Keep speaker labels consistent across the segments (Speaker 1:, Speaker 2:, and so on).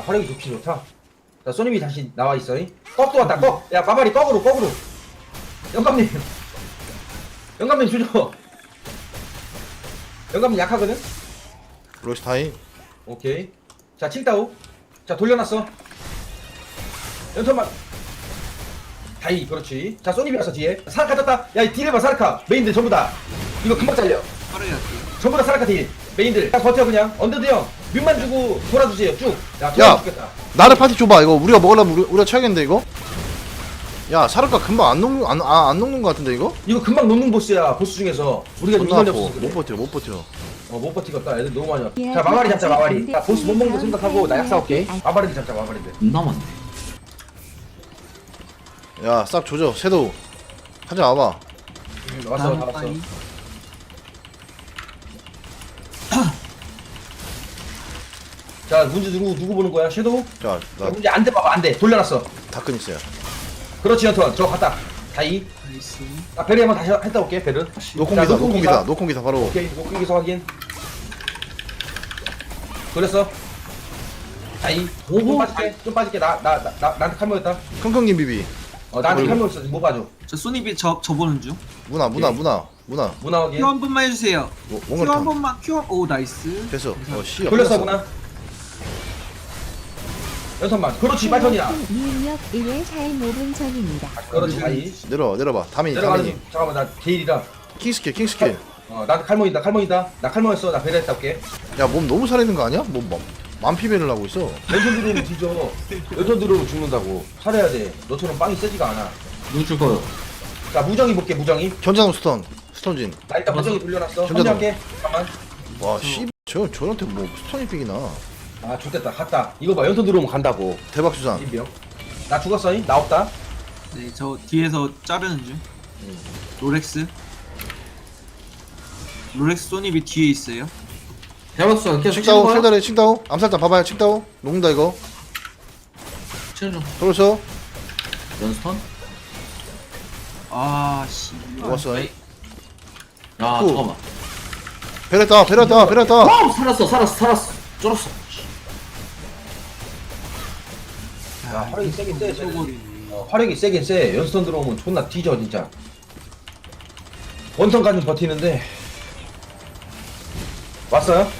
Speaker 1: 화력이 좋긴 좋다. 자, 소님이 다시 나와 있어. 꺽도 왔다, 꺽. 야, 마마리 꺽으로, 꺽으로. 영감님. 영감님 주죠. 영감님 약하거든?
Speaker 2: 로시타이.
Speaker 1: 오케이. 자, 칭따오. 자, 돌려놨어. 연턴만. 다이, 그렇지. 자, 소님이 왔어, 뒤에. 사라카 떴다. 야, 이 딜 해봐, 사라카. 메인들 전부 다. 이거 금방 잘려.
Speaker 3: 빠르게 할게요.
Speaker 1: 전부 다 사라카 딜. 메인들. 딱 버텨, 그냥. 언더드 형. 뮤만 주고 돌아주세요, 쭉. 야,
Speaker 2: 야!
Speaker 1: 돌아주겠다.
Speaker 2: 나를 파티 줘봐. 이거 우리가 먹으려면 우리가 쳐야겠는데 이거? 야 사르카 금방 안 녹는 거 같은데 이거?
Speaker 1: 이거 금방 놓는 보스야, 보스 중에서. 우리가 좀
Speaker 2: 존나
Speaker 1: 인원이
Speaker 2: 아파.
Speaker 1: 없어서 그래.
Speaker 2: 못 버텨 못 버텨.
Speaker 1: 못 버티겠다. 애들 너무 많이 왔다. 자, 마마리 잡자, 마마리. 자, 보스 못 먹는 거 생각하고 나 약사 올게. 마마리들 잡자, 마마리들.
Speaker 3: 존나 많네.
Speaker 2: 야 싹 조져. 섀도우 하지 와봐.
Speaker 1: 왔어, 다 왔어. 자, 문제 누구 보는 거야? 섀도우?
Speaker 2: 자 나
Speaker 1: 문제 안 돼, 봐봐, 안 돼. 돌려놨어.
Speaker 2: 다큰 있어요.
Speaker 1: 그렇지, 연턴. 저거 갔다. 다이.
Speaker 3: 나이스.
Speaker 1: 아, 베르 한번 다시 했다 올게, 베르.
Speaker 2: 노콩기사
Speaker 1: 자,
Speaker 2: 노콩기사 노콩기사 바로.
Speaker 1: 오케이, 목기기서 확인. 돌렸어. 다이. 좀 빠질게, 좀 빠질게. 나한테 칼모였다.
Speaker 2: 킁킁님 비비.
Speaker 1: 나한테
Speaker 2: 어이구.
Speaker 1: 칼모였어. 뭐 봐줘.
Speaker 3: 저 소니비 저 보는 중.
Speaker 2: 문화
Speaker 1: 문화 확인.
Speaker 3: 큐 한 번만 해주세요. 큐 한
Speaker 2: 몽골탕
Speaker 3: 번만 큐. 오 나이스.
Speaker 2: 됐어. 씨
Speaker 1: 돌렸어, 문화. 연턴만. 그렇지, 빨턴이야.
Speaker 4: 미입력 1회 사행 5분 전입니다.
Speaker 1: 그렇지, 다이.
Speaker 2: 내려봐. 다민이
Speaker 1: 내려가는, 잠깐만, 나 게일이라.
Speaker 2: 킹스킬.
Speaker 1: 나한테 칼모이다. 나 칼모였어. 나 베르 했다 올게.
Speaker 2: 야 몸 너무 살아있는 거 아니야? 뭐 만피배를 하고 있어.
Speaker 1: 왼손 들어오면 뒤져. 왼손 들어오면 죽는다고. 살아야 돼. 너처럼 빵이 세지가 않아.
Speaker 3: 누구 죽어요?
Speaker 1: 자, 무정이 볼게, 무정이.
Speaker 2: 견자노 스톤진.
Speaker 1: 나 일단 무정이 돌려놨어.
Speaker 2: 전자도.
Speaker 1: 합류할게. 잠깐만.
Speaker 2: 와 씨. 저한테 뭐 스톤이 삑이나.
Speaker 1: 아, 좋됐다. 갔다. 이거 봐, 연손 들어오면 간다고.
Speaker 2: 대박 수산.
Speaker 1: 인병. 나 죽었어, 나 없다.
Speaker 3: 네, 저 뒤에서 자르는 중. 롤렉스. 롤렉스 소니비 뒤에 있어요.
Speaker 5: 대박수 계속
Speaker 2: 칭다오 셀다리 칭다오 암살자 봐봐요. 칭다오 녹는다 이거.
Speaker 5: 치는 중.
Speaker 2: 돌렸어.
Speaker 5: 연스턴?
Speaker 3: 아 씨.
Speaker 2: 녹았어.
Speaker 5: 야
Speaker 2: 후.
Speaker 5: 잠깐만.
Speaker 2: 베렸다.
Speaker 5: 와우 살았어. 쫄았어.
Speaker 1: 야, 화력이 세긴 세. 쟤는.
Speaker 3: 쏘고리.
Speaker 1: 화력이 세긴 세. 연스턴 들어오면 존나 뒤져, 진짜. 원턴까지 버티는데. 왔어요?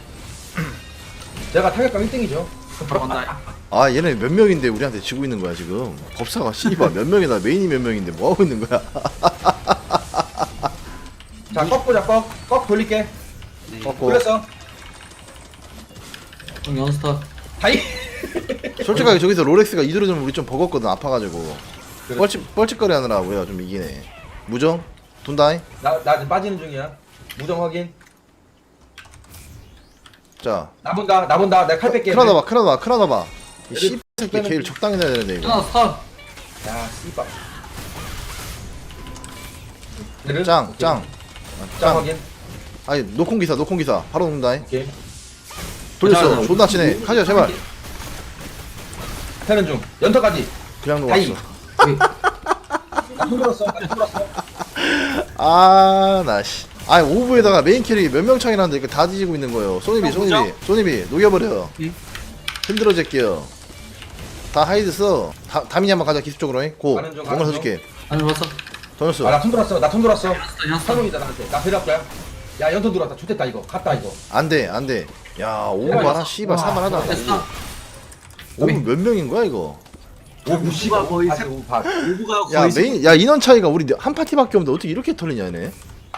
Speaker 1: 제가 타격감 1등이죠.
Speaker 3: 들어간다.
Speaker 2: 아 얘네 몇 명인데 우리한테 지고 있는 거야 지금. 법사가 씨발 몇 명이나 메인이 몇 명인데 뭐 하고 있는 거야?
Speaker 1: 자, 꺽 보자, 꺽 돌릴게.
Speaker 3: 네.
Speaker 2: 꺾고.
Speaker 1: 돌렸어.
Speaker 5: 형 연스턴.
Speaker 1: 다이.
Speaker 2: 솔직하게 저기서 롤렉스가 이대로 우리 좀 버겁거든. 아파가지고
Speaker 1: 그렇지.
Speaker 2: 뻘짓거리 하느라 우리가 좀 이기네. 무정 돈다이.
Speaker 1: 나 지금 빠지는 중이야. 무정 확인.
Speaker 2: 자
Speaker 1: 나 본다. 내가 칼 뺄게.
Speaker 2: 크라다 봐. 이
Speaker 1: 얘들
Speaker 2: 씨새끼
Speaker 1: 빼는
Speaker 2: 걔를 적당히 내야 되는데 이거.
Speaker 5: 하나 스턴.
Speaker 1: 야, 씨발.
Speaker 2: 짱.
Speaker 1: 짱 확인.
Speaker 2: 아니 노콩기사 바로 녹는다이.
Speaker 1: 오케이.
Speaker 2: 돌렸어.
Speaker 5: 자,
Speaker 2: 존나 치네. 가자 제발.
Speaker 1: 패는 중. 연터까지.
Speaker 2: 그냥
Speaker 1: 다이.
Speaker 2: 녹았어.
Speaker 1: 나 손들었어.
Speaker 2: 아나 씨. 아니 오브에다가 메인 캐릭이 몇 명 차이 나는데 이거 다 뒤지고 있는 거예요. 소니비 녹여버려.
Speaker 3: 예.
Speaker 2: 힘들어 제끼요. 다 하이드 써. 다민이 한번 가자 기습 쪽으로. 고.
Speaker 1: 가는 중,
Speaker 2: 뭔가
Speaker 1: 가는
Speaker 2: 써줄게.
Speaker 5: 아니 왔어.
Speaker 2: 던졌어.
Speaker 1: 나 손 들었어.
Speaker 5: 연스턴.
Speaker 1: 사용이다 나한테. 나 배달 거야. 야, 연터 들어왔다. 좋됐다 이거. 갔다 이거.
Speaker 2: 안돼. 야 오브 봐라. 씨발 살만하다.
Speaker 5: 됐어.
Speaker 2: 오브 몇 명인 거야 이거?
Speaker 1: 오브 씨발
Speaker 3: 거의
Speaker 1: 거의
Speaker 3: 세-
Speaker 1: 오브 반.
Speaker 3: 오브가
Speaker 2: 야
Speaker 3: 거의
Speaker 2: 메인 야 인원 차이가 우리 한 파티밖에 없는데 어떻게 이렇게 털리냐 얘네.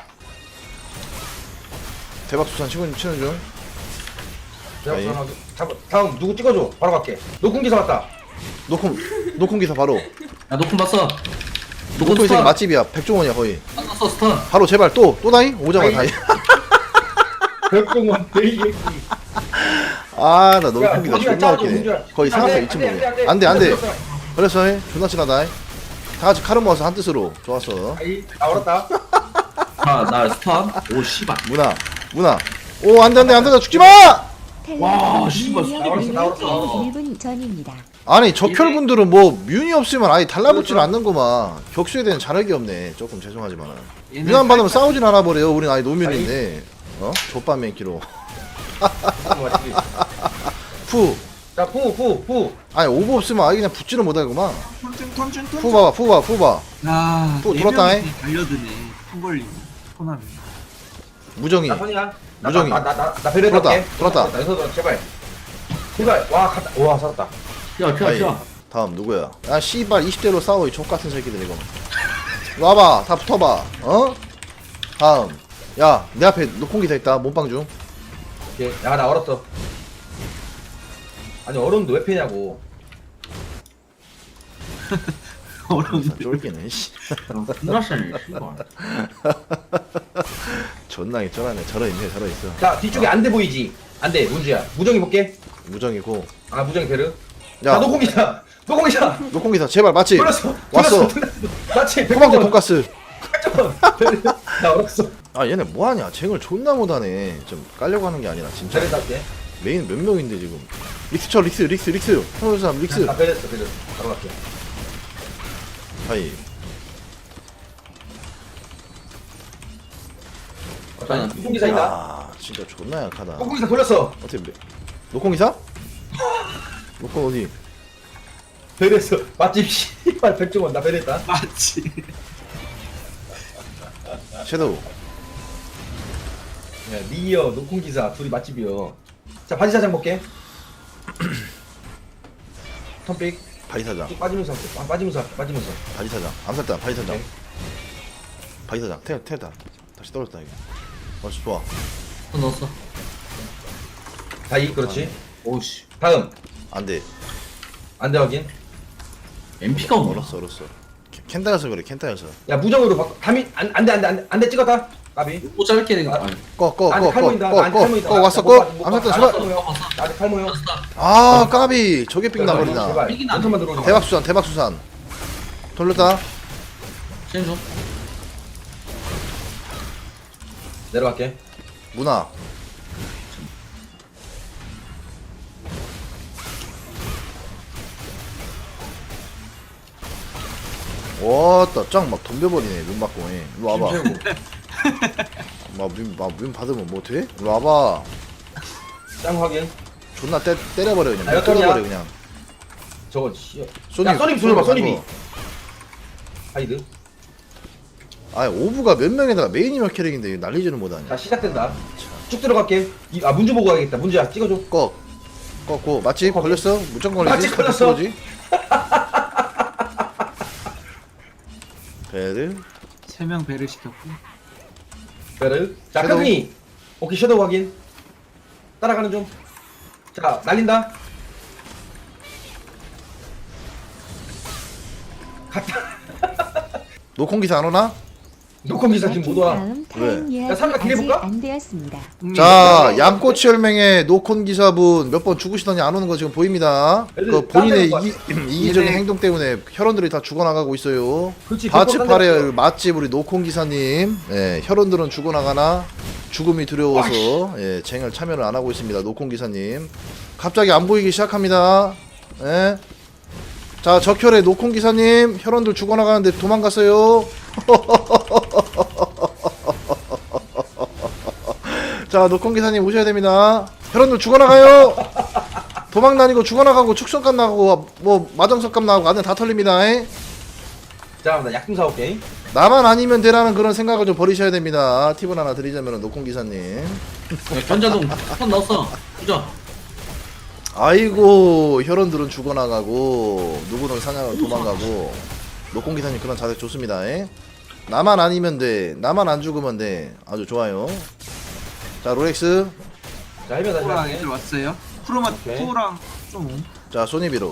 Speaker 2: 대박 수산 치는 중.
Speaker 1: 내가
Speaker 2: 아이.
Speaker 1: 우선 다음 누구 찍어줘. 바로 갈게. 녹음 기사 왔다.
Speaker 2: 노콩 기사 바로.
Speaker 5: 야 노콘 봤어.
Speaker 2: 노콩 이 새끼 맛집이야. 백종원이야 거의.
Speaker 5: 봤어 스턴.
Speaker 2: 바로 제발 또 다이 오자마 다이.
Speaker 1: 백종원 대이.
Speaker 2: 아나 너무
Speaker 1: 야,
Speaker 2: 콩기다
Speaker 1: 문주야,
Speaker 2: 존나
Speaker 1: 짜줘,
Speaker 2: 웃기네.
Speaker 1: 문주야.
Speaker 2: 거의
Speaker 1: 안 돼,
Speaker 2: 상하사
Speaker 1: 안
Speaker 2: 2층
Speaker 1: 돼,
Speaker 2: 먹어.
Speaker 1: 안 돼.
Speaker 2: 안돼. 그래서 해 존나 친하다. 다 같이 카르 모아서 한 뜻으로 좋았어.
Speaker 1: 아이, 나 얼었다.
Speaker 5: 아나 스턴. 오 씨발.
Speaker 2: 문화. 오 안돼 죽지 마.
Speaker 5: 와, 씨발,
Speaker 1: 나왔어.
Speaker 4: 1분 전입니다.
Speaker 2: 아니 적혈분들은 뭐 뮤니 없으면 아예 달라붙지는 않는구만. 격수에 대한 자력이 없네. 조금 죄송하지만 뮤안 받으면 싸우진 않아 버려요. 우린 아예 노면인데 족밥 맨키로 푸
Speaker 1: 자, 후.
Speaker 2: 아니 오버 없으면 아예 그냥 붙지는 못하구만.
Speaker 3: 턴준.
Speaker 2: 푸 봐봐 푸 봐.
Speaker 3: 아,
Speaker 2: 또
Speaker 3: 네
Speaker 2: 돌았다,
Speaker 3: 명이
Speaker 2: 잉?
Speaker 3: 달려드네. 턴 걸리네. 턴하면.
Speaker 2: 무정이.
Speaker 1: 나 선이야.
Speaker 2: 무정이.
Speaker 1: 나 배려
Speaker 2: 돌았다,
Speaker 1: 할게.
Speaker 2: 돌았다.
Speaker 1: 나 여기서 제발. 와, 갔다. 와, 살았다.
Speaker 2: 아이,
Speaker 5: 튀어.
Speaker 2: 다음 누구야? 아 씨발 20대로 싸워 이 족같은 새끼들 이거. 와봐 다 붙어봐. 어? 다음. 야 내 앞에 노콩기사 있다. 몸빵 중.
Speaker 1: 오케이. 야, 나 얼었어. 아니, 얼었는데 왜 패냐고.
Speaker 3: 어려운데.
Speaker 2: 쫄기네. 씨.
Speaker 5: 끝났어요. 씨발.
Speaker 2: 존나게 쫄아네. 저러있네 저러있어.
Speaker 1: 자, 뒤쪽에 안 돼 보이지? 안 돼, 문주야. 무정이 볼게.
Speaker 2: 무정이고.
Speaker 1: 아, 무정이 베르.
Speaker 2: 야
Speaker 1: 자, 노공이다. 노공이다.
Speaker 2: 노콩기사 제발 맞지?
Speaker 1: 돌렸어.
Speaker 2: 왔어.
Speaker 1: 맞지?
Speaker 2: 토막도 돈가스.
Speaker 1: 베르. 나 얼었어.
Speaker 2: 아 얘네 뭐하냐? 쟁을 존나 못하네. 좀 깔려고 하는 게 아니라 진짜.
Speaker 1: 베르 할게.
Speaker 2: 메인 몇 명인데 지금. 릭스 쳐 릭스. 형사람 릭스.
Speaker 1: 나 베르 했어, 베르. 바로 갈게.
Speaker 2: 하이.
Speaker 1: 자, 노공기사 있다.
Speaker 2: 아 진짜 존나 약하다.
Speaker 1: 노공기사 돌렸어.
Speaker 2: 어떻게 노콩기사? 노콩 어디?
Speaker 1: 베르 했어. 맛집 씨발 백종원 나 베르 했다.
Speaker 3: 맞지.
Speaker 2: 섀도우.
Speaker 1: 야, 니어, 노콩기사 둘이 맛집이요. 자, 바지사장 볼게. 턴픽.
Speaker 2: 바이사장.
Speaker 1: 쭉 빠지면서 할게. 빠지면서.
Speaker 2: 바이사장. 암살단 바이사장.
Speaker 1: 오케이.
Speaker 2: 바이사장. 테다. 다시 떨어졌다 이거. 좋아.
Speaker 5: 턴 넣었어.
Speaker 1: 다이, 그렇지.
Speaker 5: 오씨.
Speaker 1: 다음.
Speaker 2: 안돼.
Speaker 1: 안돼 확인.
Speaker 5: MP가 없노.
Speaker 2: 얼었어. 켄타여서 그래.
Speaker 1: 야, 무정으로 바꿔. 담이, 안돼 찍었다. 까비.
Speaker 5: 못 잡을게 내가. 아니.
Speaker 1: 나한테 칼 모인다. 나한테 칼 모인다.
Speaker 2: 꺼 왔어.
Speaker 1: 못 봐,
Speaker 2: 꺼.
Speaker 1: 못 봐.
Speaker 2: 암살단
Speaker 1: 나한테
Speaker 2: 제발.
Speaker 1: 칼 모여. 나한테 칼 모여.
Speaker 2: 아 까비. 저게 삑 나버리나.
Speaker 1: 제발.
Speaker 5: 삑이 나.
Speaker 1: 연턴만 들어오지 마.
Speaker 2: 대박수산. 돌렸다.
Speaker 5: 시행 좀.
Speaker 1: 내려갈게.
Speaker 2: 문화. 왔다 짱막 덤벼버리네 눈 맞고 일로 와봐 문 받으면 뭐 돼? 일로 와봐
Speaker 1: 짱 확인.
Speaker 2: 존나 때려버려 그냥
Speaker 1: 아,
Speaker 2: 못
Speaker 1: 여기야.
Speaker 2: 때려버려 그냥
Speaker 1: 저거 씨.
Speaker 2: 소니
Speaker 1: 야, 소니비 돌려봐. 소니비. 하이드.
Speaker 2: 아 오브가 몇 명에다가 메인이면 캐릭인데 날리지는 못하냐
Speaker 1: 자, 시작된다. 쭉 들어갈게. 문주 보고 가야겠다. 문주야, 찍어줘.
Speaker 2: 꺾고 맞지? 걸렸어? 무조건 걸리지?
Speaker 1: 맞지, 걸렸어.
Speaker 2: 그거지? 배를
Speaker 3: 3명 배를 시켰고.
Speaker 1: 베르. 자,
Speaker 2: 섀도우.
Speaker 1: 크그니. 오케이, 섀도우 확인. 따라가는 중. 자, 날린다. 갔다.
Speaker 2: 노콩기사 안 오나?
Speaker 1: 노컴기사 지금 못 와.
Speaker 4: 다음
Speaker 2: 왜?
Speaker 4: 타임
Speaker 1: 야,
Speaker 4: 예약이
Speaker 1: 삼각
Speaker 4: 아직
Speaker 1: 기대해볼까?
Speaker 4: 안 되었습니다.
Speaker 2: 자, 양꼬치 혈맹의 노콘 기사분 몇 번 죽으시더니 안 오는 거 지금 보입니다.
Speaker 1: 애들
Speaker 2: 그 본인의
Speaker 1: 딴
Speaker 2: 이기적인 행동 때문에 혈원들이 다 죽어나가고 있어요.
Speaker 1: 그렇지.
Speaker 2: 바츠파레 맛집 우리 노콘 기사님, 예, 혈원들은 죽어나가나 죽음이 두려워서 예, 쟁을 참여를 안 하고 있습니다. 노콘 기사님, 갑자기 안 보이기 시작합니다. 예. 자, 적혈의 노콘 기사님, 혈원들 죽어나가는데 도망갔어요. 자, 노콘 기사님 오셔야 됩니다. 혈원들 죽어나가요. 도망 다니고 죽어나가고 축성값 나가고 뭐 마정석값 나가고 안에 다 털립니다. 에?
Speaker 1: 자, 나 약 좀 사올게.
Speaker 2: 나만 아니면 되라는 그런 생각을 좀 버리셔야 됩니다. 팁을 하나 드리자면 노콘 기사님.
Speaker 5: 견자동 턴 넣었어. 그죠?
Speaker 2: 아이고 혈원들은 죽어나가고 누구는 사냥을 도망가고 노콘 기사님 그런 자세 좋습니다. 에? 나만 아니면 돼. 나만 안 죽으면 돼. 아주 좋아요. 자 롤렉스.
Speaker 1: 자, 해변 다시
Speaker 3: 쿠랑
Speaker 1: 갈게.
Speaker 3: 애들 왔어요. 쿠로마
Speaker 1: 오케이.
Speaker 3: 쿠랑 좀.
Speaker 2: 자 소니비로.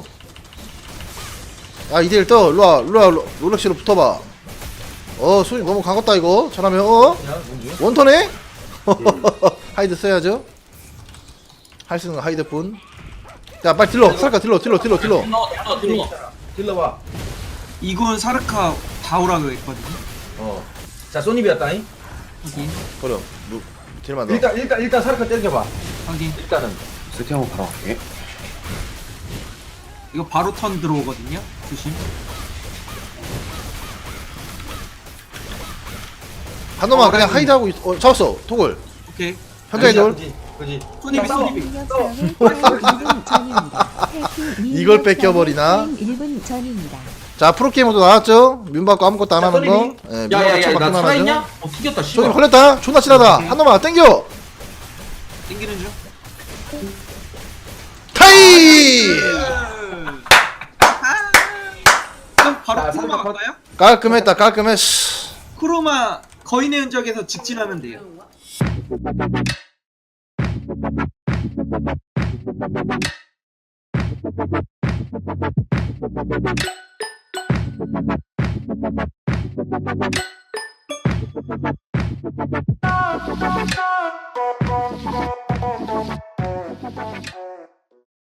Speaker 2: 야 이대일 떠. 일로와 롤렉스로 붙어봐. 소니 너무 강했다 이거. 잘하면
Speaker 1: 야, 문주.
Speaker 2: 원턴에? 하이드 써야죠. 할 수 있는 거 하이드뿐. 자 빨리 딜러. 살까 딜러.
Speaker 5: 들어.
Speaker 1: 딜러봐.
Speaker 3: 이군 사르카 다 오라고 했거든요.
Speaker 1: 자, 소니비였다잉.
Speaker 3: 확인.
Speaker 2: 버려. 딜만 넣어.
Speaker 1: 일단 사르카 때려봐.
Speaker 3: 확인.
Speaker 1: 일단은.
Speaker 6: 세팅하고 바로 갈게.
Speaker 3: 이거 바로 턴 들어오거든요. 조심.
Speaker 2: 한 놈만 그냥 하이드 하고 잡았어. 토글.
Speaker 3: 오케이.
Speaker 2: 현장의 돌.
Speaker 1: 아니지. 그지.
Speaker 3: 손님이
Speaker 1: 자, 싸워.
Speaker 3: 손님이.
Speaker 4: 능력성의 타임 1분 전입니다. 해킹
Speaker 2: 이걸 뺏겨버리나?
Speaker 4: 타임 1분 전입니다.
Speaker 2: 자 프로게이머도 나왔죠. 민받고 아무것도 안
Speaker 1: 자,
Speaker 2: 하는 거.
Speaker 1: 손님이.
Speaker 2: 예, 민받고
Speaker 5: 야야야 나
Speaker 2: 쳐박기만
Speaker 5: 살아있냐?
Speaker 2: 하죠.
Speaker 5: 튀겼다
Speaker 2: 손님
Speaker 5: 씨발.
Speaker 2: 걸렸다. 존나 치라다. 한 놈만 땡겨.
Speaker 3: 땡기는 중.
Speaker 2: 타이.
Speaker 3: 그럼 바로
Speaker 1: 자,
Speaker 3: 크로마
Speaker 1: 삼각
Speaker 3: 갈까요?
Speaker 2: 깔끔했다. 깔끔해. 씨.
Speaker 3: 크로마 거인의 흔적에서 직진하면 돼요.